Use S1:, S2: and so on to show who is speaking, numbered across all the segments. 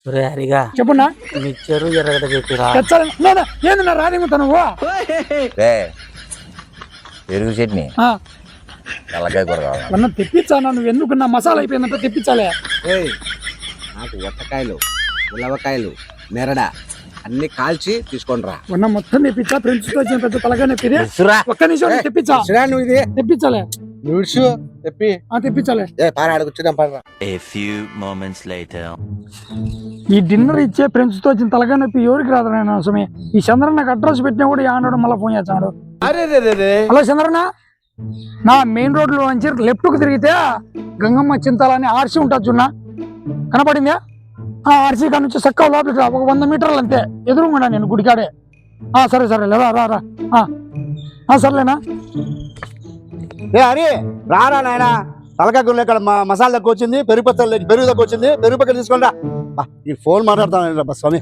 S1: హరిగా
S2: చెప్పున్నా
S1: mixture ఎర్రగడ్డ చెప్పిరా
S2: ఏంది నా రాదేమో నువ్వు
S3: పెరుగు చట్నీ తలకాయ కూర కావాలి
S2: అన్న తెప్పించానా నువ్వు ఎందుకు నా మసాలా అయిపోయిందంటే తెప్పించాలే
S4: నాకు వట్టకాయలు ఉలవకాయలు మెరడ అన్ని కాల్చి తీసుకొని రా
S2: ఉన్న మొత్తం తెప్పించా ఫ్రెండ్స్ తో వచ్చిన పెద్ద తలగా నొప్పిది ఒక్క నిమిషం తెప్పించా
S4: నువ్వు ఇది
S2: తెప్పించాలే
S4: నువ్వు తెప్పి
S2: తెప్పించాలే
S4: పారాడుకొచ్చుదాం పారా.
S5: A few moments later.
S2: ఈ డిన్నర్ ఇచ్చే ఫ్రెండ్స్ తో వచ్చిన తలగా నొప్పి ఎవరికి రాదు నేను అవసరమే ఈ చంద్రన్న నాకు అడ్రస్ పెట్టినా కూడా ఆనాడు మళ్ళీ ఫోన్ చేస్తాడు. హలో చంద్రన్న, నా మెయిన్ రోడ్ లో నుంచి లెఫ్ట్ కు తిరిగితే గంగమ్మ చింతాల అని ఆర్సీ ఉంటుంది చూడ కనపడిందా? ఆ ఆర్సీ కాడ నుంచి చక్క లోపలికి రా, ఒక 100 మీటర్లు అంతే ఎదురుగా నేను గుడికాడే. సరే సరే రా రా రా సర్లేనా?
S6: హరి రారా నాయన, తలకాయ గుళ్ళు ఇక్కడ మసాలా తక్కువ వచ్చింది, పెరుగు పచ్చళ్ళు పెరుగు తక్కువ వచ్చింది, పెరుగు పక్కన తీసుకోండి రా. ఈ ఫోన్ మాట్లాడతాను స్వామి.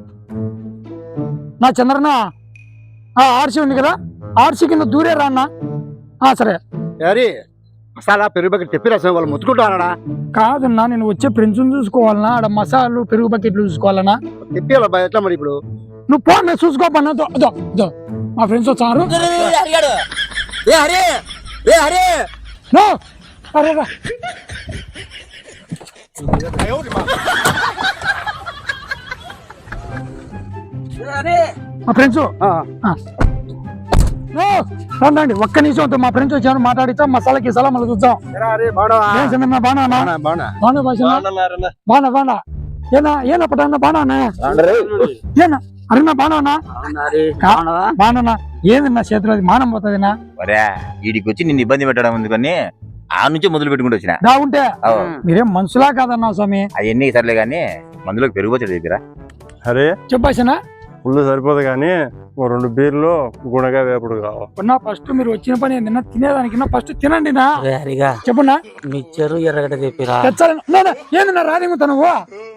S2: నా చంద్రన్న ఆర్సీ ఉంది కదా, ఆర్సీ కింద దూరే రా అన్న. సరే
S6: హరి మసాలా పెరుగు బకెట్ తెప్పిరా స్వామి, వాళ్ళు ముత్తుకుంటారా?
S2: కాదన్నా, నేను వచ్చే ఫ్రెండ్స్ చూసుకోవాలన్నా, ఆడ మసాలు పెరుగు బకెట్లు చూసుకోవాలన్నా.
S6: తెప్పియాలి ఎట్లా మరి ఇప్పుడు?
S2: నువ్వు ఫోన్ నేను చూసుకోపన్నా. మా ఫ్రెండ్స్ వచ్చారు. అరే రా మా ఫ్రెండ్స్ రండి, ఒక్క నిమిషం మా ఫ్రెండ్స్ వచ్చాను, మాట్లాడిస్తాం, మసాలా గిసాలా మళ్ళీ చూద్దాం. బానా ఏనా పట్టా బానా ఏనా అరేనా బానా బానా ఏందన్నా చేతిలో మానం పోతుందినా?
S3: వీడికి వచ్చి నిన్ను ఇబ్బంది పెట్టడం ఎందుకని ఆ నుంచి మొదలు పెట్టుకుంటూ వచ్చిన.
S2: బాగుంటే మీరేం మనుషులా కాదన్నా స్వామి.
S3: అవన్నీ సర్లే గానీ మందులోకి పెరుగు వచ్చాడు దగ్గర.
S7: అరే
S2: చెప్పాసనా?
S7: ఫుల్ సరిపోదు కానీ 2 బీర్లు గుణగా వేపుడు కావాలి.
S2: ఫస్ట్ మీరు వచ్చిన పని ఏంటన్నా, తినేదానికి ఫస్ట్ తినండి నా.
S1: హరిగా
S2: చెప్పున్నా
S1: మిక్చరు ఎర్రగడ్డ చెప్పిరా.
S2: ఏందన్నా రాదేమో నువ్వు?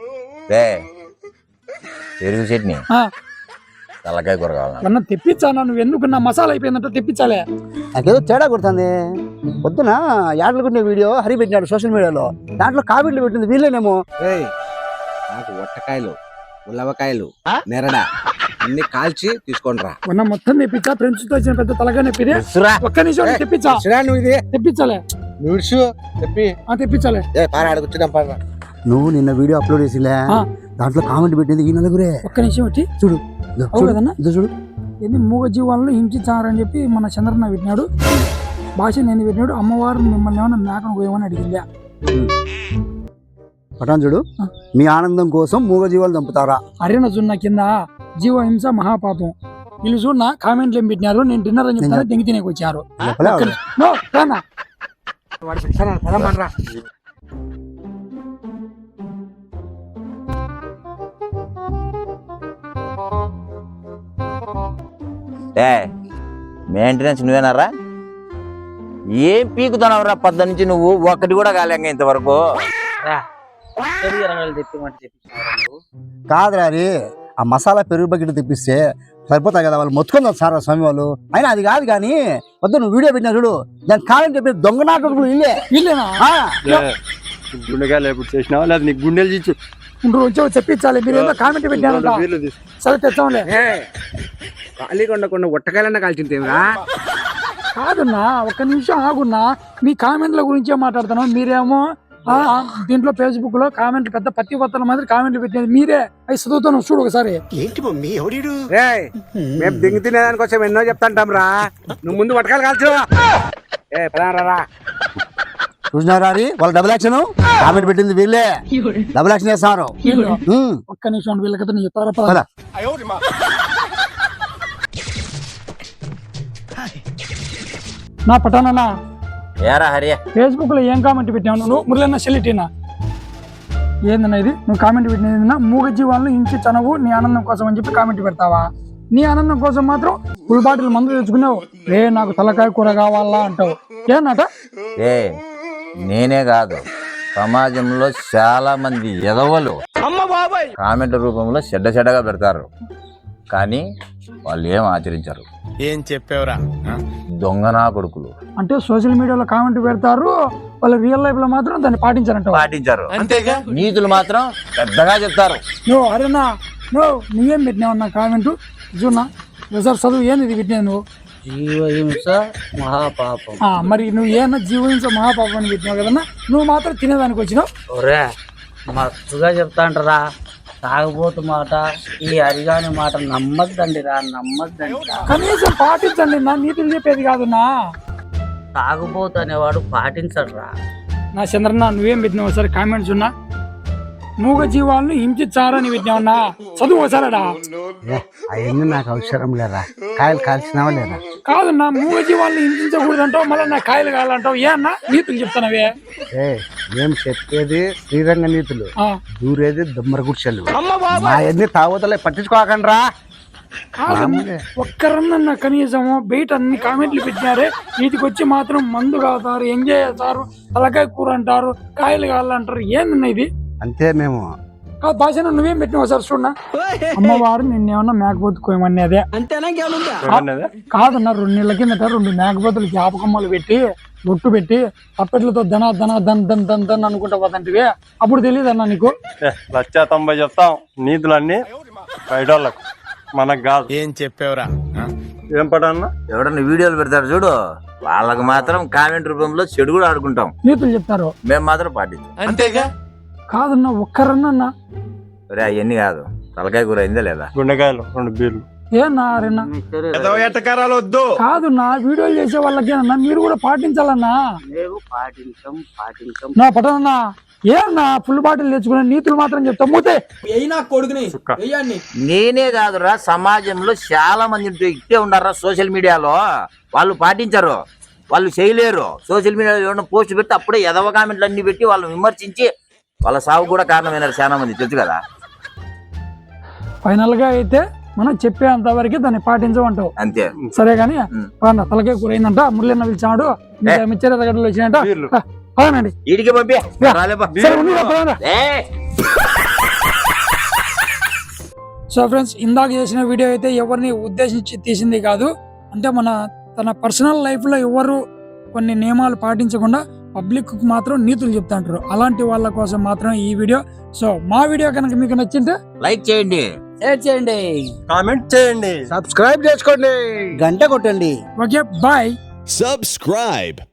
S3: పెరుగు చట్నీ తలకాయ కూర కావాలి.
S2: అన్న తెప్పించానా, నువ్వు ఎందుకు నా మసాలా అయిపోయిందంటే తెప్పించాలే.
S6: నాకేదో తేడా కొడుతుంది. పొద్దున యాడలుకుంటే వీడియో హరి పెట్టినాడు సోషల్ మీడియాలో, దాంట్లో కామెంట్లు పెట్టింది వీళ్ళేనేమో.
S4: నాకు వట్టకాయలు ఉలవకాయలు మెరడ అన్ని కాల్చి తీసుకొని రా.
S2: ఉన్న మొత్తం తెప్పించా ఫ్రెండ్స్ తో వచ్చిన పెద్ద తలగా నొప్పిది. ఒక్క నిమిషం తెప్పించా
S4: నువ్వు ఇది
S2: తెప్పించాలే
S4: నువ్వు తెప్పి
S2: తెప్పించాలే
S4: పారాడుకొచ్చుదాం పారా.
S6: నువ్వు నిన్న వీడియో అప్లోడ్ చేసిలే, దాంట్లో కామెంట్ పెట్టింది ఈ నలుగురే.
S2: ఒక్క నిమిషం వచ్చి
S6: చూడు
S2: కదన్నా,
S6: చూడు.
S2: ఏంది మూగ జీవాలను హింసించారని చెప్పి మన చంద్రన్న పెట్టినాడు, భాష నేను పెట్టినాడు. అమ్మవారు మిమ్మల్ని ఏమన్నా మేకను పోయమని అడిగిందా?
S6: పటాన్ చూడు, మీ ఆనందం కోసం మూగ జీవాలు చంపుతారా?
S2: అరేన జున్న కింద జీవహింస మహాపాపం. వీళ్ళు చూడన్నా కామెంట్లు ఏం పెట్టినారు, నేను డిన్నర్ అని చెప్తాను దెంగి తినేకి వచ్చారు.
S3: మెయింటెనెన్స్ నువ్వేనారా? ఏం పీకుతున్నావురా? పొద్దు నుంచి నువ్వు ఒక్కటి కూడా కాలేంగా ఇంతవరకు.
S1: ఎర్రగడ్డలు తెప్పిమంటే తెప్పించినారా నువ్వు?
S6: కాదురా రే, ఆ మసాలా పెరుగు బకెట్ తెప్పిస్తే సరిపోతాయి కదా, వాళ్ళు మొత్తుకుందాం సార్ స్వామి వాళ్ళు. అయినా అది కాదు కానీ వద్దు, నువ్వు వీడియో పెట్టినా చూడు, దాని కామెంట్ చెప్పి దొంగ నాటకులు
S2: వీళ్ళేనా?
S7: గుండెగా లేపు చేసినావా లేదా నీకు గుండెలు ఇచ్చి
S2: వచ్చి చెప్పించాలి. మీరు ఏదో కామెంట్ పెట్టారంట. సరే తెచ్చాంలే.
S4: ఖాళీ కొండకుండా ఒట్టకాయలన్నా కాల్చింతేమిరా?
S2: కాదన్నా, ఒక్క నిమిషం ఆగున్నా. మీ కామెంట్ల గురించే మాట్లాడుతున్నాం, మీరేమో దీంట్లో ఫేస్బుక్ లో కామెంట్లు పెద్ద పత్తి పత్రాల మాదిరి కామెంట్లు పెట్టేది మీరే. అవి చదువుతాను చూడు ఒకసారి.
S4: మేము దింగి తినేదానికి వచ్చాము, ఎన్నో చెప్తాంటాం రా. నువ్వు ముందు వట్టకాయలు కాల్చు.
S6: చూసినారా వాళ్ళు డబుల్ యాక్షన్ కామెంట్ పెట్టింది వీళ్ళే, డబుల్ యాక్షన్ చేస్తారు.
S2: ఒక్క నిమిషం వీళ్ళ కథ చెప్తారా? నా పటానా
S3: ఏరా హరియా,
S2: ఫేస్బుక్ లో ఏం కామెంట్ పెట్టావు నువ్వు? మురళన్న సెలిటీనా ఏందన్నా ఇది? నువ్వు కామెంట్ పెట్టిన మూగ జీవాలను ఇంచి చనవు నీ ఆనందం కోసం అని చెప్పి కామెంట్ పెడతావా? నీ ఆనందం కోసం మాత్రం ఫుల్ బాటిల్ మందు తెచ్చుకున్నావు. నాకు తలకాయ కూర కావాలా అంటావు. ఏనట?
S3: నేనే కాదు, సమాజంలో చాలా మంది ఎదవలు కామెంట్ రూపంలో చెడ్డగా పెడతారు. కానీ వాళ్ళు ఏం ఆచరించరు.
S8: ఏం చెప్పావురా?
S3: దొంగనా కొడుకులు
S2: అంటే సోషల్ మీడియాలో కామెంట్ పెడతారు, వాళ్ళు రియల్ లైఫ్ లో మాత్రం దాన్ని పాటించారంట.
S3: పాటించరు,
S8: అంతేగా.
S3: నీతులు మాత్రం పెద్దగా చెప్తారు.
S2: నువ్వు అరేనా నువ్వేం పెట్టినావు నా కామెంట్ చూనా సార్ చదువు ఏంది ఇది పెట్టినావు నువ్వు?
S1: జీవహింస మహాపాపం.
S2: మరి నువ్వు ఏమన్నా జీవహింస మహాపాపం అని పెట్టినావు కదన్నా, నువ్వు మాత్రం తినేదానికి వచ్చినావు.
S1: ఒరే మస్తుగా చెప్తాంటరా, తాగబోతు మాట ఈ అరిగాని మాట నమ్మద్దండి రా, నమ్మద్దండి రా.
S2: కనీసం పాటించండి నా, నీతులు చెప్పేది కాదు నా.
S1: తాగుబోతు అనేవాడు పాటించడు రా.
S2: నా చంద్రన్న నువ్వేం పెట్టినావు ఒకసారి కామెంట్స్ ఉన్నా? మూగ జీవాలను హింసించారని పెట్టినావన్నా, చదువు ఒకసారడా.
S4: అవన్నీ నాకు అవసరం లేదా, కాయలు కాల్చినావా లేదా?
S2: కాదన్నా, మూగ జీవాలను హింసించకూడదంటావు, మళ్ళీ నా కాయలు కావాలంటావు. ఏ అన్నా నీతులు చెప్తానవే?
S4: మేము చెప్పేది శ్రీరంగ నీతులు,
S2: ఆ,
S4: దూరేది దమ్మర గుడిసెలు. మా ఎన్ని తాగుతలే పట్టించుకోకండి రా.
S2: కాదన్నా ఒక్కరన్నా కనీసము బయట అన్ని కామెంట్లు పెట్టినారే, వీటికి వచ్చి మాత్రం మందు కాతారు, ఎంజాయ్ చేస్తారు, తలకాయ కూర అంటారు, కాయలు కావాలంటారు. ఏందన్నా ఇది?
S4: అంతే మేము.
S2: కాదు భాష, నువ్వేం పెట్టినావు సార్ చూడన్నా. అమ్మవారు నిన్నేమన్నా మేకపోతు కోయమని అదే
S7: ఏమన్నది?
S2: కాదన్నా, 2 నెలల కిందట 2 మేకపోతులు జ్ఞాపకమ్మలు పెట్టి బొట్టు పెట్టి తప్పెట్లతో ధన ధన ధన్ ధన్ ధన్ ధన్ అనుకుంటా పోతంటివి, అప్పుడు తెలియదన్నా నీకు?
S7: 190 చెప్తాం నీతులన్నీ బయట వాళ్ళకు, మనకు కాదు.
S8: ఏం చెప్పావురా?
S7: ఏం పట అన్న?
S3: ఎవడన్నా వీడియోలు పెడతారు చూడు, వాళ్ళకి మాత్రం కామెంట్ రూపంలో చెడు కూడా ఆడుకుంటాం.
S2: నీతులు చెప్తారు,
S3: మేము మాత్రం పాటించాం.
S8: అంతేగా.
S2: కాదన్నా ఒక్కరన్నా.
S3: ఒరే అవన్నీ కాదు, తలకాయ కూర అయిందా లేదా?
S7: గుండెకాయలు 2 బీర్లు.
S2: ఏనా అరేనా?
S8: ఎటకారాలు వద్దు.
S2: కాదు నా, వీడియోలు చేసే వాళ్ళకేనన్నా మీరు కూడా పాటించాలన్నా.
S1: మేము పాటించం.
S2: నా పట్టనన్నా ఏమన్నా ఫుల్ బాటిల్ తెచ్చుకునే నీతులు మాత్రం చెప్తా మూతే.
S3: నేనే కాదురా, సమాజంలో చాలా మంది ఇట్టే ఉన్నారా సోషల్ మీడియాలో. వాళ్ళు పాటించరు, వాళ్ళు చేయలేరు. సోషల్ మీడియాలో ఏమన్నా పోస్ట్ పెడితే అప్పుడే ఎదవ కామెంట్లు అన్ని పెట్టి వాళ్ళు విమర్శించి వాళ్ళ సాగు కూడా కారణమైనారు చాలా మంది, తెలుసు కదా.
S2: ఫైనల్ గా అయితే మనం చెప్పేంత వరకు దాన్ని పాటించమంటావు,
S3: అంతే.
S2: సరే గాని తలకే కూర అయిందంట, మురళన్న పిలిచాడు, మిచ్చర తగ్గడలు వచ్చినాయంట.
S3: వీర్లు.
S2: పదనండి.
S3: వీడికి పంపి
S2: సరే, ఉండురా, పదరా. సో ఫ్రెండ్స్, ఇందాక చేసిన వీడియో అయితే ఎవరిని ఉద్దేశించి తీసింది కాదు. అంటే తన పర్సనల్ లైఫ్ లో ఎవరు కొన్ని నియమాలు పాటించకుండా పబ్లిక్ మాత్రం నీతులు చెప్తాంటారు, అలాంటి వాళ్ళ కోసం మాత్రం ఈ వీడియో. సో మా వీడియో కనుక మీకు నచ్చింటే
S3: లైక్ చేయండి,
S1: షేర్ చేయండి,
S7: కామెంట్ చేయండి,
S4: సబ్స్క్రైబ్ చేసుకోండి, గంట కొట్టండి.
S2: Okay bye.
S9: Subscribe.